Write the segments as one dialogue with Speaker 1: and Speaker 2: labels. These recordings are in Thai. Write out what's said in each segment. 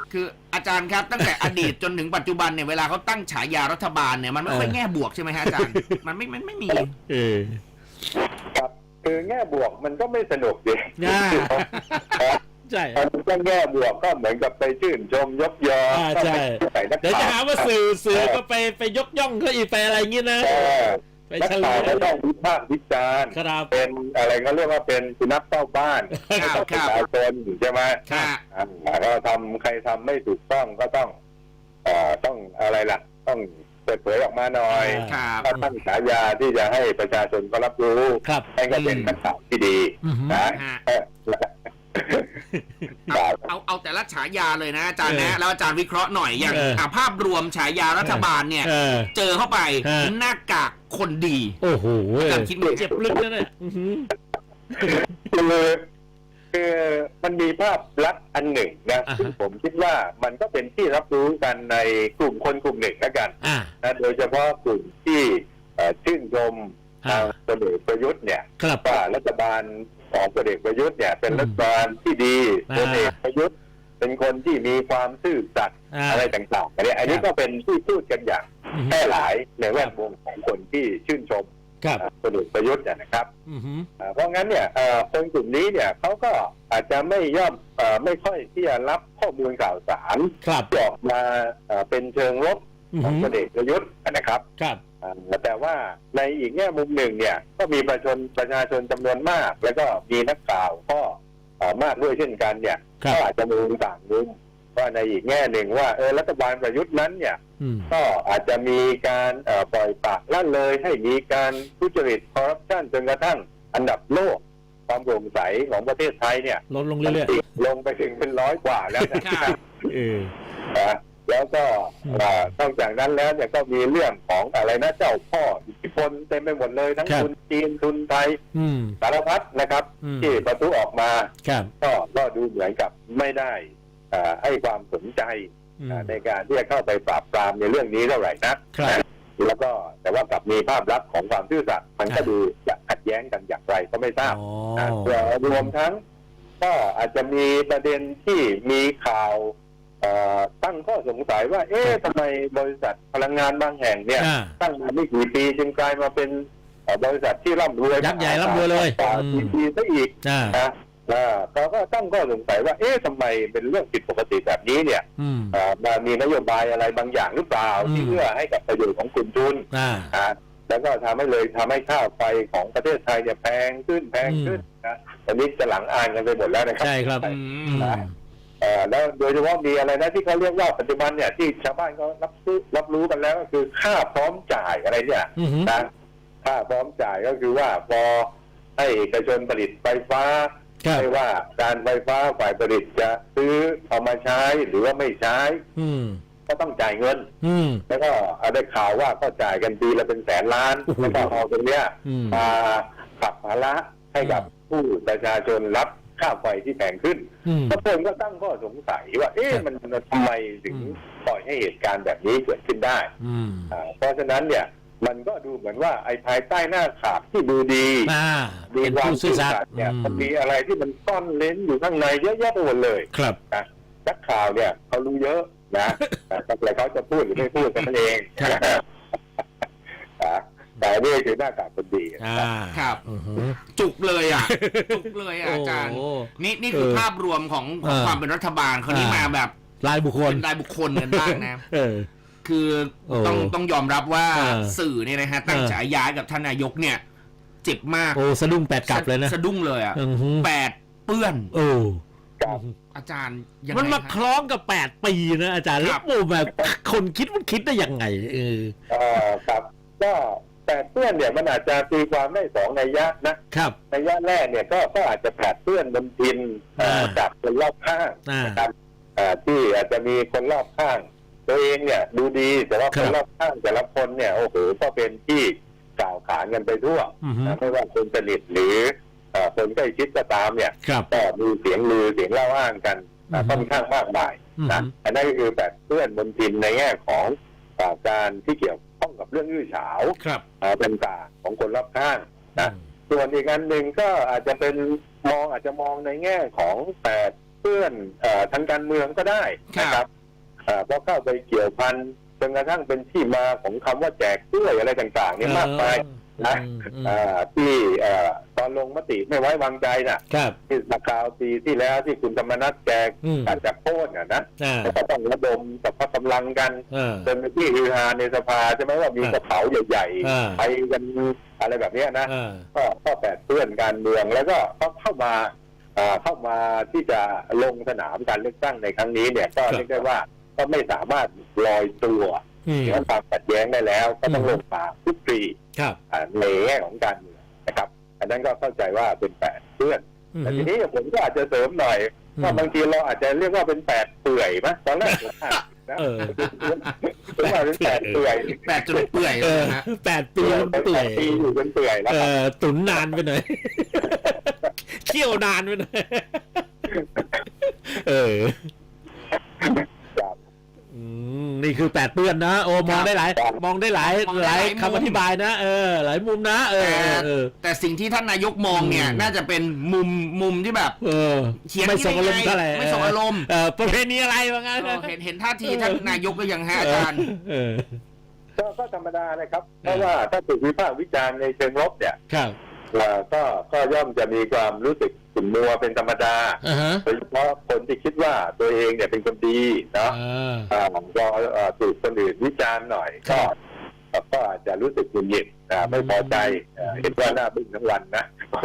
Speaker 1: คืออาจารย์ครับตั้งแต่อดีตจนถึงปัจจุบันเนี่ยเวลาเขาตั้งฉายารัฐบาลเนี่ยมันไม่ค่อยแง่บวกใช่ไหมฮะอาจารย์มันไม่มี
Speaker 2: ครับคือแง่บวกมันก็ไม่สนุกดิ
Speaker 3: ใช่
Speaker 2: มันก็แง่บวกก็เหมือนกับไปชื่นชมยกยอ
Speaker 3: ใช่เดี๋ยวจะหาว่าสื่อก็ไปยกย่องเขาอีกไปอะไรอย่างงี้นะไป
Speaker 2: เฉลยต้องวิพากษ์วิจารณ์เป็นอะไรก็เรียกว่าเป็นสุนัขเฝ้าบ้านประชาชนใช่ไหมก็ใครทำไม่ถูกต้องก็ต้องอะไรล่ะต้องเปิดเผยออกมาหน่อยก็ตั้งฉายาที่จะให้ประชาชนก็รับรู้ให้ก็เป็นนักข่าวที่ดีนะ
Speaker 1: เอาแต่ละฉายาเลยนะอาจารย์นะแล้วอาจารย์วิเคราะห์หน่อยอย่างภาพรวมฉายารัฐบาลเนี่ยเจอเข้าไปหน้ากากคนดี
Speaker 3: โอ้โห
Speaker 1: อาจารย์คิด
Speaker 3: เจ็บลึกนะเนี่ย
Speaker 2: คือมันมีภาพลักษณ์อันหนึ่งนะซึ่งผมคิดว่ามันก็เป็นที่รับรู้กันในกลุ่มคนกลุ่มหนึ่งแล้วกันนะโดยเฉพาะกลุ่มที่ชื่นชมทางพลเอกประยุทธ์เนี่ยว่ารัฐบาลของพลเอกประยุทธ์เนี่ยเป็นรัฐบาลที่ดีพลเอกประยุทธ์เป็นคนที่มีความซื่อสัตย์อะไรต่างๆอันนี้ก็เป็นที่พูดกันอย่างแพร่หลายในแวดวงของคนที่ชื่นชมพลเอกประยุทธ์นะครับเพราะงั้นเนี่ยคนกลุ่มนี้เนี่ยเขาก็อาจจะไม่ค่อยที่จะรับข้อมูลข่าวสารที่ออกมาเป็นเชิงลบของพลเอกประยุทธ์นะครับแต่ว่าในอีกแง่มุมหนึ่งเนี่ยก็มีประชาชนจำนวนมากแล้วก็มีนักข่าวก็มากด้วยเช่นกันเนี่ยก็อาจจะมองต่างมุมว่าในอีกแง่หนึ่งว่ารัฐบาลประยุทธ์นั้นเนี่ยก็อาจจะมีการปล่อยปละละเลยให้มีการทุจริตคอร์รัปชันจนกระทั่งอันดับโลกความโปร่งใสของประเทศไทยเนี่ย
Speaker 3: ลดลงเรื่อย
Speaker 2: ๆลงไปถึงเป็น100 กว่าแล้วนะครับแล้วก็นอกจากนั้นแล้วเนี่ยก็มีเรื่องของอะไรนะเจ้าพ่ออิทธิพลเต็มไปหมดเลยทั้งทุนจีนทุนไทยสารพัดนะครับที่ประทุออกมาก็ดูเหมือนกับไม่ได้ให้ความสนใจในการที่จะเข้าไปปราบปรามในเรื่องนี้เท่าไหร่นักแล้วก็แต่ว่ากลับมีภาพลักษณ์ของความซื่อสัตย์มันก็ดูจะขัดแย้งกันอย่างไรก็ไม่ทราบรวมทั้งก็อาจจะมีประเด็นที่มีข่าวตั้งข้อสงสัยว่าทำไมบริษัทพลังงานบางแห่งเนี่ยตั้งมาไม่กี่ปีจึงกลายมาเป็นบริษัทที่ร่ำรวย
Speaker 3: ยักษ์ใหญ่ร่ำรวยเลย
Speaker 2: ปีซะอีกนะเขาก็ตั้งข้อสงสัยว่าทำไมเป็นเรื่องผิดปกติแบบนี้เนี่ยมีนโยบายอะไรบางอย่างหรือเปล่าที่เอื้อให้กับประโยชน์ของกลุ่มทุนแล้วก็ทำให้ค่าไฟของประเทศไทยเนี่ยแพงขึ้นนะตอนนี้จะหลังอ่านกันไปหมดแล้วนะครับ
Speaker 3: ใช่ครับ
Speaker 2: แล้วโดยเฉพาะมีอะไรนะที่เขาเรียกว่าปัจจุบันเนี่ยที่ชาวบ้านเขารับรู้กันแล้วก็คือค่าพร้อมจ่ายอะไรเนี่ยนะค่าพร้อมจ่ายก็คือว่าพอให้เอกชนผลิตไฟฟ้าไม่ว่าการไฟฟ้าฝ่ายผลิตจะซื้อเอามาใช้หรือว่าไม่ใช้ก็ต้องจ่ายเงินแล้วก็ได้ข่าวว่าก็จ่ายกันปีละเป็นแสนล้านแล้วก็เอาตรงเนี้ยมาขับภาระให้กับผู้ประชาชนรับค่าไฟที่แพงขึ้นทุกคนก็ตั้งข้อสงสัยว่ามันทำไมถึงปล่อยให้เหตุการณ์แบบนี้เกิดขึ้นได้เพราะฉะนั้นเนี่ยมันก็ดูเหมือนว่าไอ้ภายใต้หน้าข่าวที่ดูดีมีความซื่อสัตย์เนี่ยมันมีอะไรที่มันซ่อนเร้นอยู่ข้างในเยอะแยะไปหมดเลย
Speaker 3: ครับ
Speaker 2: นักข่าวเนี่ยเขารู้เยอะนะแต่เขาจะพูดหรือไม่พูดกันเองแต่นี่คือหน้ากากคนดี
Speaker 1: ครับจุกเลยอาจารย์นี่คือภาพรวมของความเป็นรัฐบาลคนนี้มาแบบ
Speaker 3: รายบุคคล
Speaker 1: กันบ้างนะคือต้องยอมรับว่าสื่อเนี่ยนะฮะตั้งฉายากับท่านนายกเนี่ยเจ็บมาก
Speaker 3: สะดุ้ง8 กลับเลยนะ
Speaker 1: สะดุ้งเลย8เปื้อนอาจารย์
Speaker 3: มันมาคล้องกับ8 ปีนะอาจารย์แล้วแบบคนคิดได้ยังไง
Speaker 2: ครับก็8เปื้อนเนี่ยมันอาจจะตีความได้2 นัยยะนะครับนัยยะแรกเนี่ยก็อาจจะ8เปื้อนบนทินจากคนรอบข้างนะครับที่อาจจะมีคนรอบข้างตัวเองเนี่ยดูดีแต่ว่าคนรอบข้างแต่ละคนเนี่ยโอ้โหก็เป็นที่กล่าวขานกันไปทั่วไม่ว่าคนสนิทหรือคนใกล้ชิดก็ตามเนี่ยก็มีเสียงลือเสียงเล่าอ้างกันค่อนข้างมากมายนะอันนั้นก็คือแบบเพื่อนบนทินในแง่ของการที่เกี่ยวข้องกับเรื่องอื้อฉาวต่างๆของคนรอบข้างนะส่วนอีกอันหนึ่งก็อาจจะมองในแง่ของ8 เปื้อนทางการเมืองก็ได้นะครับเพราะเข้าไปเกี่ยวพันจนกระทั่งเป็นที่มาของคำว่าแจกกล้วยอะไรต่างๆเนี่ยมากมายนะที่ตอนลงมติไม่ไว้วางใจน่ะที่นักข่าวปีที่แล้วที่คุณธรรมนัสแจกการจับโค่นนะก็ต้องระดมกับพกำลังกันจนที่ฮือฮาในสภาใช่ไหมว่ามีกระเป๋าใหญ่ๆไปกันอะไรแบบนี้นะก็แปดเปื้อนการเมืองแล้วก็เข้ามาที่จะลงสนามการเลือกตั้งในครั้งนี้เนี่ยก็เรียกได้ว่าก็ไม่สามารถลอยตัวเหนือความขัดแย้งได้แล้วก็ต้องลงมาทุกปีในแง่ของการเมืองนะครับอันนั้นก็เข้าใจว่าเป็นแปดเปื้อนแต่ทีนี้ผมก็อาจจะเสริมหน่อยว่าบางทีเราอาจจะเรียกว่าเป็นแปดเปื่อยมั้ยตอนแรกผมว่าเป็นแปดเปื่อย
Speaker 1: แปดจนเปื่อยนะ
Speaker 3: 8 ปีเปื่อย
Speaker 2: อยู่เป็นเปื่อยแล้ว
Speaker 3: ตุ๋นนานไปหน่อยเคี่ยวนานไปหน่อยนี่คือ8เปื้อนนะโอ้มองได้หลายคำอธิบายนะหลายมุมนะ
Speaker 1: แต่สิ่งที่ท่านนายกมองเนี่ยน่าจะเป็นมุมที่แบบ
Speaker 3: เขียนไม่ส่งอารมณ์เท่าไหร่
Speaker 1: ไม่ส่งอารมณ์
Speaker 3: ประเพณีอะไรว่างั้น
Speaker 1: เห็นท่าทีท่านนายกก็ยังฮะอาจารย์
Speaker 2: ก็ธรรมดาเลยครับเพราะว่าถ้าถูกวิพากษ์วิจารณ์ในเชิงลบเนี่ยก็ย่อมจะมีความรู้สึกขุ่นมัวเป็นธรรมดาโดยเฉพาะคนที่คิดว่าตัวเองเนี่ยเป็นคนดีเนาะก็ถูกคนอื่นวิจารณ์หน่อยก็อาจจะรู้สึกหงุดหงิดไม่พอใจเห็นว่าหน้าบึ้งทั้งวันนะ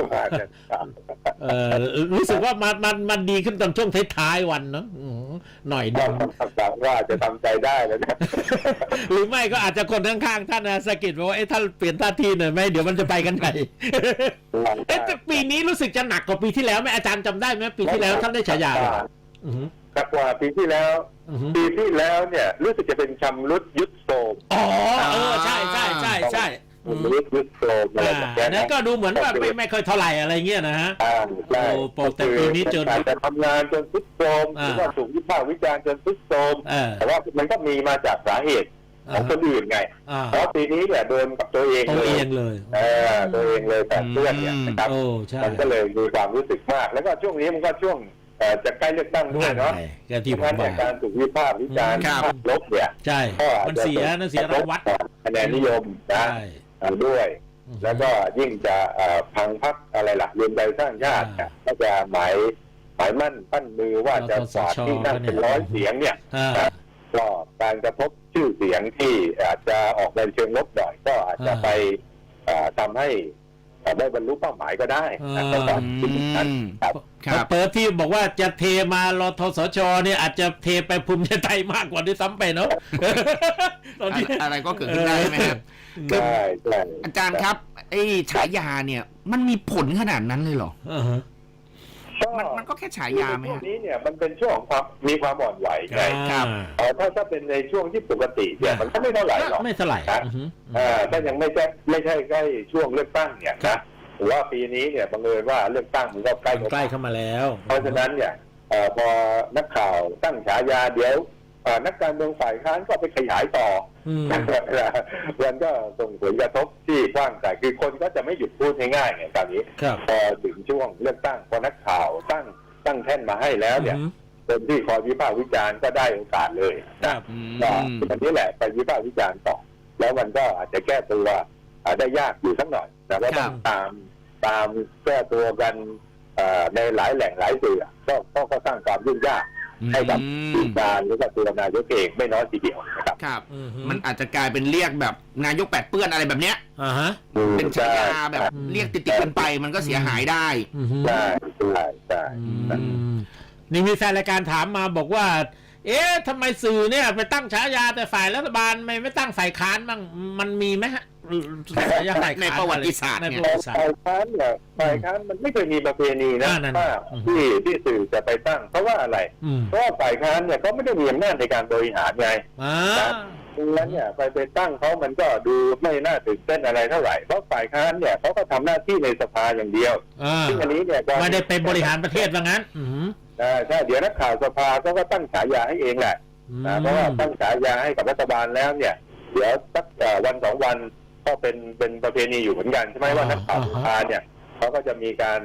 Speaker 3: รู้สึกว่ามันดีขึ้นตอนช่วงท้ายๆวันเนาะหน่อยนึง
Speaker 2: ว่าจะทำใจได้แล้วนะ
Speaker 3: หรือไม่ก็อาจจะคนข้างๆท่านสะกิดว่าท่านเปลี่ยนท่าทีหน่อยไหมเดี๋ยวมันจะไปกันไหนแต่ปีนี้รู้สึกจะหนักกว่าปีที่แล้วไหมอาจารย์จำได้ไหมปีที่แล้วท่านได้ฉายา
Speaker 2: หนักกว่าปีที่แล้วเนี่ยรู้สึกจะเป็นชำรุดยุดโทรม
Speaker 3: ใช่
Speaker 2: ยุดโทรมอะไรแบบนี้
Speaker 3: นั่นก็ดูเหมือนว่าไม่ค่อยเท่าไหร่อะไรเงี้ยนะฮะ
Speaker 2: ใช่
Speaker 3: แต่ปีนี้จน
Speaker 2: อาจจะทำงานจนทุดโทรมหรือว่าถูกวิพากษ์วิจารณ์จนทุดโทรมแต่ว่ามันก็มีมาจากสาเหตุของคนอื่นไงเพราะปีนี้เนี่ยโดนกับตัวเอง
Speaker 3: เลย
Speaker 2: ตัวเองเลยแต่เพื่อนเนี่ยนะครับมันก็เลยมีความรู้สึกมากแล้วก็ช่วงนี้มันก็ช่วงจะใกล้เลือกตั้งด้วยเนาะ
Speaker 3: ที่ผม
Speaker 2: ว่าการถูกวิพากษ์วิจารณ์ลบเนี่ย
Speaker 3: ใช่มันเสียรางวัล
Speaker 2: คะแนนนิยมนะด้วยแล้วก็ยิ่งจะพังพรรคอะไรล่ะรวมใจสร้างชาติก็จะหมายมั่นปั้นมือว่าจะกวาดที่นั่งเป็น100 เสียงเนี่ยก็การกระทบชื่อเสียงที่อาจจะออกในเชิงลบหน่อยก็อาจจะไปทำให้ได้บรรลุเป้าหมายก็ได้ก็ต้องคิดนั้น
Speaker 3: เปิดที่บอกว่าจะเทมารทสชเนี่ยอาจจะเทไปภูมิใจไทยมากกว่าด้วยซ้ำไปเนาะ
Speaker 1: อะไรก็เกิดขึ้นได้ไหมครับอาจารย์ครับไอ้ฉายาเนี่ยมันมีผลขนาดนั้นเลยเหรอมันก็แค่ฉายาไหม
Speaker 2: ช่วงนี้เนี่ยมันเป็นช่วงความมีความอ่อนไหวไงถ้าเป็นในช่วงที่ปกติเนี่ยมันก็ไม่เท่าไหร่หรอก
Speaker 3: ไม่เท่าไหร่
Speaker 2: ถ้ายังไม่ใช่ใกล้ช่วงเลือกตั้งเนี่ยนะหรือว่าปีนี้เนี่ยบังเอิญว่าเลือกตั้งมันก็ใกล้
Speaker 3: เข้ามาแล้ว
Speaker 2: เพราะฉะนั้นเนี่ยพอนักข่าวตั้งฉายาเดี๋ยวนักการเมืองฝ่ายค้านก็ไปขยายต่อมันก็ส่งผลกระทบที่กว้างไกลคือคนก็จะไม่หยุดพูดง่ายๆเนี่ยตอนนี้พอถึงช่วงเลือกตั้งพอนักข่าวตั้งแท่นมาให้แล้วเนี่ยคนที่คอยวิพากษ์วิจารณ์ก็ได้โอกาสเลยนะอันนี้แหละไปวิพากษ์วิจารณ์ต่อแล้วมันก็อาจจะแก้ตัวได้ยากอยู่สักหน่อยแต่ว่าต้องตามแก้ตัวกันในหลายแหล่งหลายสื่อก็สร้างความยุ่งยากให้กับการหรือกับตัวนายกเองไม่น้อยทีเดียว
Speaker 1: นะครับมันอาจจะกลายเป็นเรียกแบบนายก8 เปื้อนอะไรแบบเนี้ยเป็นฉายาแบบเรียกติดกันไปมันก็เสียหายได้
Speaker 2: ใช่
Speaker 3: นี่มีแฟนรายการถามมาบอกว่าทำไมสื่อเนี่ยไปตั้งฉายาแต่ฝ่ายรัฐบาลไม่ตั้งฝ่ายค้านบ้างมันมีไหมฮะ
Speaker 1: ในประวัติศาสตร์เนี่ย
Speaker 2: ฝ่ายค้านเนี่ยฝ่ายค้านมันไม่เคยมีประเพณีนะที่สื่อจะไปตั้งเพราะว่าอะไรเพราะว่าฝ่ายค้านเนี่ยเขาไม่ได้มีอำนาจในการบริหารไงดังนั้นเนี่ยไปตั้งเขามันก็ดูไม่น่าตื่นเต้นอะไรเท่าไหร่เพราะฝ่ายค้านเนี่ยเขาก็ทำหน้าที่ในสภาอย่างเดียวซึ่งอันนี้เนี่ย
Speaker 3: ไม่ได้เป็นบริหารประเทศว่างั้น
Speaker 2: ใช่เดี๋ยวนักข่าวสภาก็ตั้งฉายาให้เองแหละเพราะว่าตั้งฉายาให้กับรัฐบาลแล้วเนี่ยเดี๋ยวสักวัน2 วันก็เป็นประเพณีอยู่เหมือนกันใช่ไหมว่านักข่าวสภาเนี่ยเขาก็จะมีการ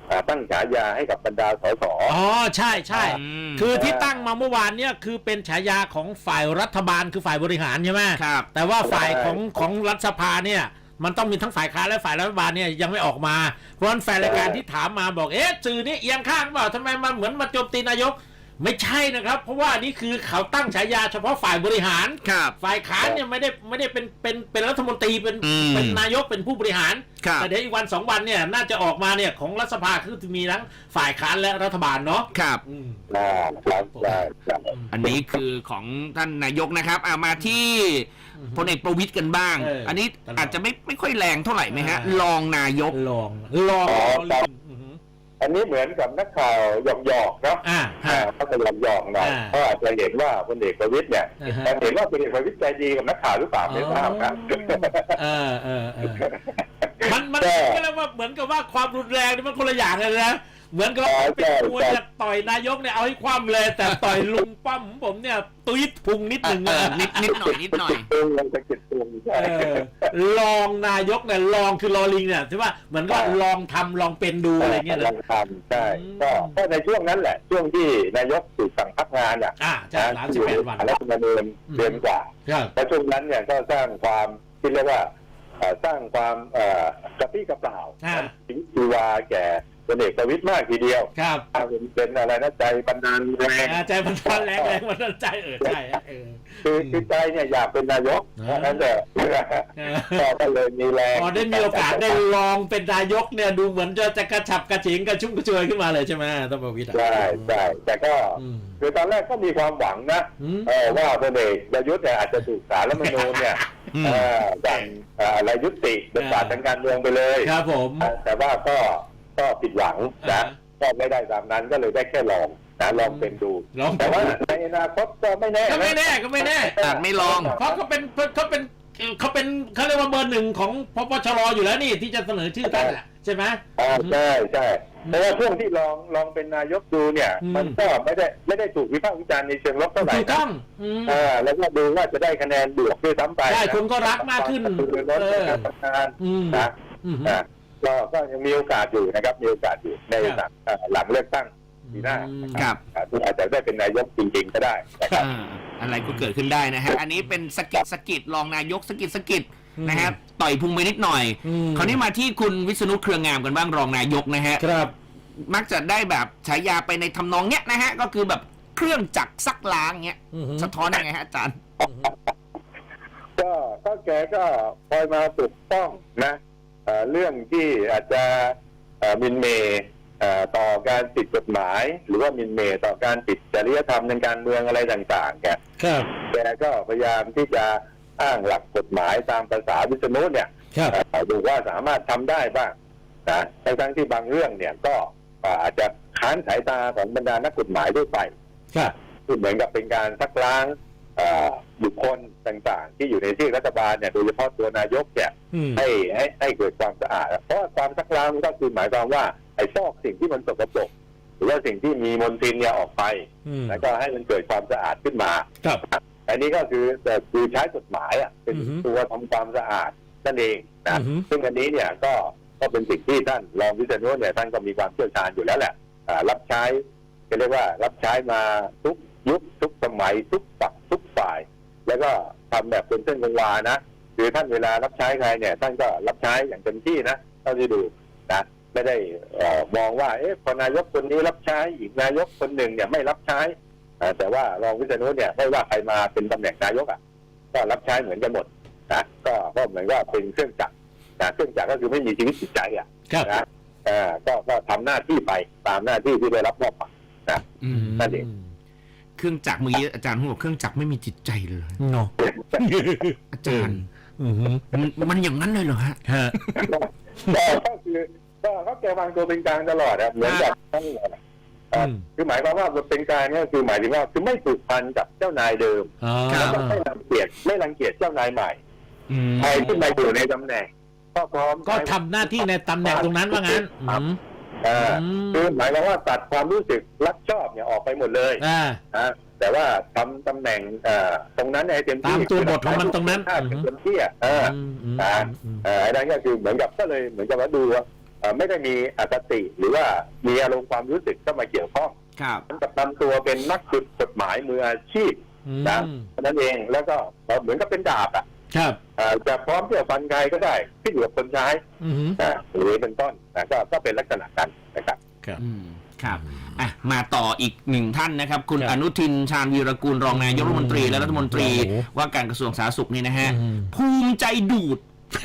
Speaker 2: ตั้งฉายาให้กับบรรดาสส
Speaker 3: อ๋อใช่ใช่
Speaker 1: ม
Speaker 3: คือที่ตั้งมาเมื่อวานเนี่ยคือเป็นฉายาของฝ่ายรัฐบาลคือฝ่ายบริหารใช่ไหม
Speaker 1: ครับ
Speaker 3: แต่ว่าฝ่ายของรัฐสภาเนี่ยมันต้องมีทั้งฝ่ายค้านและฝ่ายรัฐบาลเนี่ยยังไม่ออกมาเพราะฉะนั้นแฟนรายการที่ถามมาบอกสื่อนี่เอียงข้างเปล่าทำไมมันเหมือนมาโจมตีนายกไม่ใช่นะครับเพราะว่านี่คือเขาตั้งฉายาเฉพาะฝ่ายบริหาร
Speaker 1: ครับ
Speaker 3: ฝ่ายค้านเนี่ยไม่ได้เป็นรัฐมนตรีเป็นนายกเป็นผู้บริหาร
Speaker 1: ครับ
Speaker 3: แต่เดี๋ยวอีกวัน2 วันเนี่ยน่าจะออกมาเนี่ยของรัฐสภาคือมีทั้งฝ่ายค้านและรัฐบาลเนาะ
Speaker 1: ครับ
Speaker 2: ครับได้
Speaker 1: อันนี้คือของท่านนายกนะครับมาที่พลเอกประวิตรกันบ้าง อันนี้อาจจะไม่ค่อยแรงเท่าไหร่ไหมฮะรองนายก
Speaker 3: ลอง
Speaker 2: อันนี้เหมือนกับนักข่าวหยอกๆเนาะเขาจะหยอกๆหน่อยเพราะอาจจะเห็นว่าพลเอกประวิตรเนี่ยแต่เห็นว่าพลเอกประวิตรใจดีกับนักข่าวหรือเปล่าไม่ทราบนะ
Speaker 3: มันก็แล้วว่าเหมือนกับว่าความรุนแรงนี่มันคนละอย่างเลยนะเหมือนกับเป็นมวยจะต่อยนายกเนี่ยเอาให้คว่ำเลยแต่ต่อยลุงป้อมผมเนี่ยตุ้ยพุงนิดหนึ่ง
Speaker 1: นิดหน่อย
Speaker 3: ลองนายกเนี่ยลองคือลอลิงเนี่ยใช่ป่ะเหมือนก็ลองทำลองเป็นดูอะไรเงี้ย
Speaker 2: ลองทำใช่ก็ในช่วงนั้นแหละช่วงที่นายกถูกสั่งพักงานเนี่ย
Speaker 3: ใช่38 วัน
Speaker 2: แล้วมาเดือนกว่าแล้วช่วงนั้นเนี่ยก็สร้างความที่เรียกว่าสร้างความกระปี้กระเปร่าถึงชีวาแก่พลเอกประวิตรมากทีเดียว
Speaker 3: ครับ
Speaker 2: เป็นอะไรนะใจบันดาลแรง
Speaker 3: ใจบันดาลแรงบันดาลใจใช่
Speaker 2: คือใจเนี่ยอยากเป็นนายกนั่นแหละก็เลยมีแรง
Speaker 3: พอได้มีโอกาสได้ลองเป็นนายกเนี่ยดูเหมือนจะกระฉับกระเฉงกระชุ่มกระชวยขึ้นมาเลยใช่ไหมท่านประวิตร
Speaker 2: ใช่แต่ก็คือตอนแรกก็มีความหวังนะว่าพลเอกประยุทธ์เนี่ยอาจจะถูกศาลรัฐธรรมนูญเนี่ยอย่างอะไรยุติบทบาททางการเมืองไปเลย
Speaker 3: ครับผม
Speaker 2: แต่ว่าก็ผิดหวังนะก็ไม่ได้ตามนั้นก็เลยได้แค่ลองลองเป็นดูแต่ว่าในอนาคตก็ไม่แน่
Speaker 3: ก็ไม่แน่
Speaker 1: ไม่ลอง
Speaker 3: เพราะเขาเขาเรียกว่าเบอร์หนึ่งของพปชรอยู่แล้วนี่ที่จะเสนอชื่อท่านแหละใช่ไหม
Speaker 2: ใช่เพราะว่าช่วงที่ลองเป็นนายกดูเนี่ยมันก็ไม่ได้ถูกวิพากษ์วิจารณ์ในเชิงลบเท่าไหร่
Speaker 3: ถูกต้อง
Speaker 2: แล้วก็ดูว่าจะได้คะแนนบวกด้วยซ้ำไป
Speaker 3: ใช่คนก็รักมากขึ้น
Speaker 2: ก็ยังมีโอกาสอยู่นะครับมีโอกาสอยู่ในหลังเลือกตั้งปีหน้า
Speaker 1: ครับ
Speaker 2: อาจจะได้เป็นนายกจริงๆก็ได้นะครับ
Speaker 1: อะไรก็เกิดขึ้นได้นะฮะอันนี้เป็นสกิดรองนายกสกิดนะครับต่อยพุงไปนิดหน่อยคราวนี้มาที่คุณวิษณุเครืองามกันบ้างรองนายกนะฮะ
Speaker 3: ครับ
Speaker 1: มักจะได้แบบฉายาไปในทำนองเนี้ยนะฮะก็คือแบบเครื่องจักรซักล้างเงี้ยสะท้อนยังไงฮะอาจารย์
Speaker 2: ก็แกก็คอยมาปกป้องนะเรื่องที่อาจจะมินเมย์ต่อการติดกฎหมายหรือว่ามินเมย์ต่อการติดจริยธรรมทางการเมืองอะไรต่างๆแกก็พยายามที่จะอ้างหลักกฎหมายตามภาษาวิษณุเนี่ยดูว่าสามารถทำได้บ้างนะทั้งที่บางเรื่องเนี่ยก็อาจจะค้านสายตาของบรรดานักกฎหมายด้วยไปคือเหมือนกับเป็นการซักล้างบุคคลต่างๆที่อยู่ในที่รัฐบาลเนี่ยโดยเฉพาะตัวนายกเนี่ยให้เกิดความสะอาดเพราะความซักล้างก็คือหมายความว่าไอ้ซอกสิ่งที่มันสกปรกหรือว่าสิ่งที่มีมลทินเนี่ยออกไปแล้วก็ให้มันเกิดความสะอาดขึ้นมาอันนี้ก็คือใช้กฎหมายเป็นตัวทำความสะอาดนั่นเองนะซึ่งอันนี้เนี่ยก็เป็นสิ่งที่ท่านรองวิษณุเนี่ยท่านก็มีความเชี่ยวชาญอยู่แล้วแหละรับใช้เรียกว่ารับใช้มาทุกยุคทุกสมัยทุกฝักทุกฝ่ายแล้วก็ทำแบบเป็นเส้นเป็นวานะคือท่านเวลารับใช้ใครเนี่ยท่านก็รับใช้อย่างเต็มที่นะเท่าที่ดูนะไม่ได้มองว่าพอนายกคนนี้รับใช้อีกนายกคนหนึ่งเนี่ยไม่รับใช้แต่ว่ารองวิษณุเนี่ยไม่ว่าใครมาเป็นตำแหน่งนายกก็รับใช้เหมือนกันหมดนะก็เหมือนว่าเป็นเครื่องจักรเครื่องจักรก็คือไม่มีชีวิตจิตใจนะก็ทำหน้าที่ไปตามหน้าที่ที่ได้รับมอบหมายนะนั่นเอง
Speaker 1: เครื่องจักรเมื่อกี้อาจารย์พูดว่าเครื่องจักรไม่มีจิตใจเลย
Speaker 3: เนาะ
Speaker 1: อาจารย์มันอย่างนั้นเลยเหรอฮะ
Speaker 2: ก็คือเขาแกวางตัวเป็นกลางตลอดเหมือนแบบทั้งคือหมายความว่าเป็นกลางเนี่ยคือหมายถึงว่าคือไม่ผูกพันกับเจ้านายเดิมแล้วก็ไม่รังเกียจเจ้านายใหม่ใครที่มาอยู่ในตำแหน่งก็พร้อม
Speaker 3: ก็ทำหน้าที่ในตำแหน่งตรงนั้นว่างั้น
Speaker 2: คือหมายความว่าตัดความรู้สึกรักชอบเนี่ยออกไปหมดเลยแต่ว่าทำตำแหน่งตรงนั้นให้เต็มที่
Speaker 3: ตามตัวบทของมันตรงนั้น
Speaker 2: เต็มที่ไอ้นั่นก็คือเหมือนกับก็เลยเหมือนกับว่าดูว่าไม่ได้มีอคติหรือว่ามีอารมณ์ความรู้สึกเข้ามาเกี่ยวข้อง
Speaker 1: ครับ
Speaker 2: มันกับทำตัวเป็นนักกฎหมายมืออาชีพนะนั่นเองแล้วก็เหมือนกับเป็นดาบอ่ะ
Speaker 3: ครับ
Speaker 2: จะพร้อมที่จะฟันใครก็ได้ที่อยู่กับคนใช้หรือเป็นต้นนะก็เป็นลักษณะนั้นนะครับ
Speaker 1: ครับมาต่ออีกหนึ่งท่านนะครับ คุณอนุทินชาญวีรกูลรองนายกรัฐมนตรีและรัฐมนตรีว่าการกระทรวงสาธารณสุขนี่นะฮะภูมิใจดูด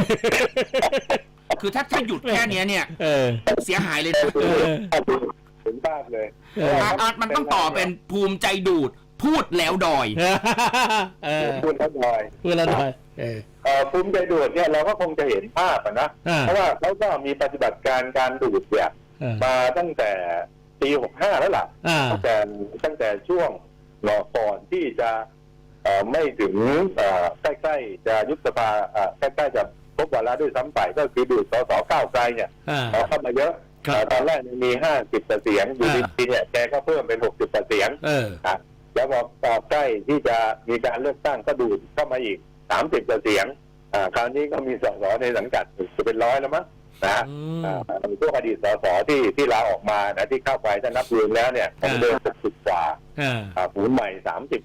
Speaker 1: คือถ้าหยุดแค่นี้เนี่ยเสียหายเลยนะ
Speaker 2: ถึงบ้านเลย
Speaker 1: มันต้องต่อเป็นภูมิใจดูดพูดแล้วดอย
Speaker 2: พูดแล้วดอยภูมิใจดูดเนี่ยเราก็คงจะเห็นภาพนะเพราะว่าเขาก็มีปฏิบัติการดูดเนี่ยมาตั้งแต่ปี65แล้วล่ะตั้งแต่ช่วงก่อนที่จะไม่ถึงใกล้ๆจะยุบสภาใกล้ๆจะครบวาระด้วยซ้ำไปก็คือดูดสสก้าวไกลเนี่ยเข้ามาเยอะตอนแรกมี50เสียงอยู่ดีๆเนี่ยแกก็เพิ่มเป็น60เสียงแล้วพอใกล้ที่จะมีการเลือกตั้งก็ดูดเข้ามาอีก30เสียงคราวนี้ก็มีสสในสังกัดจะเป็น100แล้วมั้งนะพวกอดีตสสที่ลาออกมานะที่เข้าไปถ้านับรวมแล้วเนี่ยก็เดิน60กว่าผู้ใหม่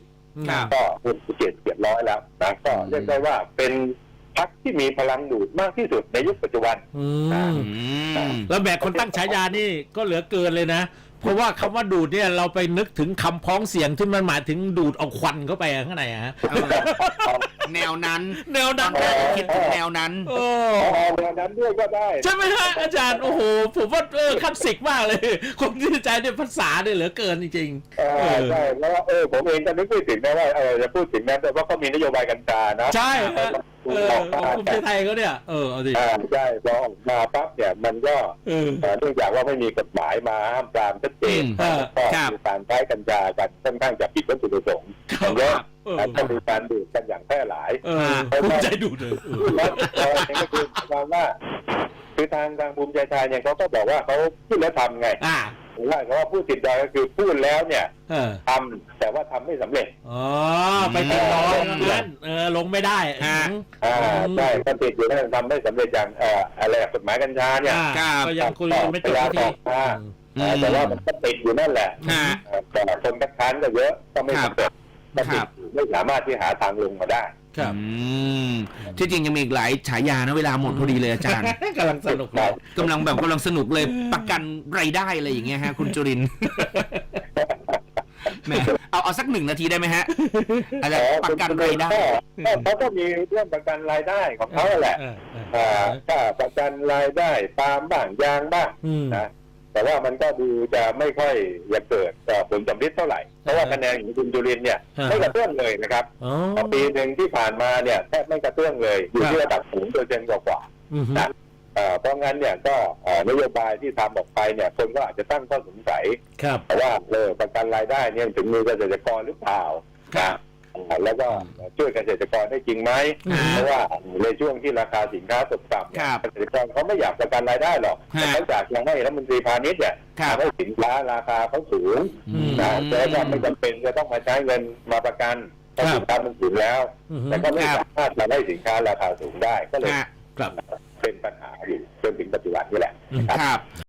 Speaker 2: 30ก็เป็น700แล้วนะก็เรียกได้ว่าเป็นพรรคที่มีพลังดูดมากที่สุดในยุคปัจจุบัน
Speaker 3: แล้วแบบคนตั้งฉายานี่ก็เหลือเกินเลยนะเพราะว่าคำว่าดูดเนี่ยเราไปนึกถึงคำพ้องเสียงที่มันหมายถึงดูดเอาควันเข้าไปข้างในฮะ
Speaker 1: แนวนั้นคิดถึงแนวนั้น
Speaker 2: แนวนั้นด้วยก็ได้
Speaker 3: ใช่ไหมฮะอาจารย์โอ้โหผมว่าคลาสสิกมากเลยคนที่ใจเนี่ยภาษาเนี่ยเหลือเกินจริง
Speaker 2: ๆใช่แล้วผมเองก็นึกไม่ถึงนะว่าจะพูดถึงนั้นแต่ว่าเขามีนโยบายกัญชานะ
Speaker 3: ใช่ภูมิใจไทยเขาเนี่ยเอาดิ
Speaker 2: ใช่พอออกมาปั๊บเนี่ยมันก็เนื่องจากว่าไม่มีกฎหมายมาห้ามปรามชัดเจนก็มีการใช้กัญชากันค่อนข้างจะผิดวัตถุประสงค์เยอะและมีการดูดกันอย่างแพร่หลาย
Speaker 3: ภูมิใจดูดเลย
Speaker 2: แล้วก็คือว่าคือทางภูมิใจไทยเนี่ยเขาก็บอกว่าเขาพูดแล้วทำไงว่าเขาว่าพูดติดใจก็คือพูดแล้วเนี่ยทำแต่ว่าทำไม่สำเร็จ
Speaker 3: ไปติดล้อนั้นลงไม่ได้
Speaker 2: ใช่ก็ติดอยู่นั่นทำไม่สำเร็จอย่างอะไรกฎหมายกัญชาเนี่ย
Speaker 3: ก็ยังคุยไม่จบที
Speaker 2: แต่ว่ามันก็ติดอยู่นั่นแหละแต่คนคัดค้านก็เยอะก็ไม่สำเร็จก็ติดไม่สามารถที่หาทางลงมาได้
Speaker 1: ที่จริงยังมีอีกหลายฉายานะเวลาหมดพอดีเลยอาจารย์
Speaker 3: กำลังสนุก
Speaker 1: กำลังสนุกเลยประกันรายได้อะไรอย่างเงี้ยฮะคุณจุรินทร์เอาสัก1 นาทีได้ไหมฮะอะไรประกันรายได้
Speaker 2: เขาก็มีเรื่องประกันรายได้ของเขาแหละถ้าประกันรายได้ปาล์มบ้างยางบ้างนะแต่ว่ามันก็ดูจะไม่ค่อยจะเกิดผลสำลิดเท่าไหร่เพราะว่าคะแนนของคุณจุรินทร์เนี่ยไม่กระเตื้องเลยนะครับปีหนึ่งที่ผ่านมาเนี่ยแทบไม่กระเตื้องเลยอยู่ที่ระดับ0%กว่านะเพราะงั้นเนี่ยก็นโยบายที่ทำออกไปเนี่ยคนก็อาจจะตั้งข้อสงสัยว่าประกันรายได้เนี่ยถึงมือเกษตรกรหรือเปล่าแล้วก็ช่วยเกษตรกรได้จริงไหมเพราะว่าในช่วงที่ราคาสินค้าตกต่ำเกษตรกรเขาไม่อยากประกันรายได้หรอกแต่เขาอยากยังให้รัฐมนตรีพาณิชย์เนี่ยให้สินค้าราคาเขาสูงแต่ว่าไม่จำเป็นจะต้องมาใช้เงินมาประกันเพราะสินค้ามันสูงแล้วแต่ก็ไม่สามารถมาให้สินค้าราคาสูงได้ก็เลยเป็นปัญหาอยู่จนถึงปัจจุบันนี่แหละครับ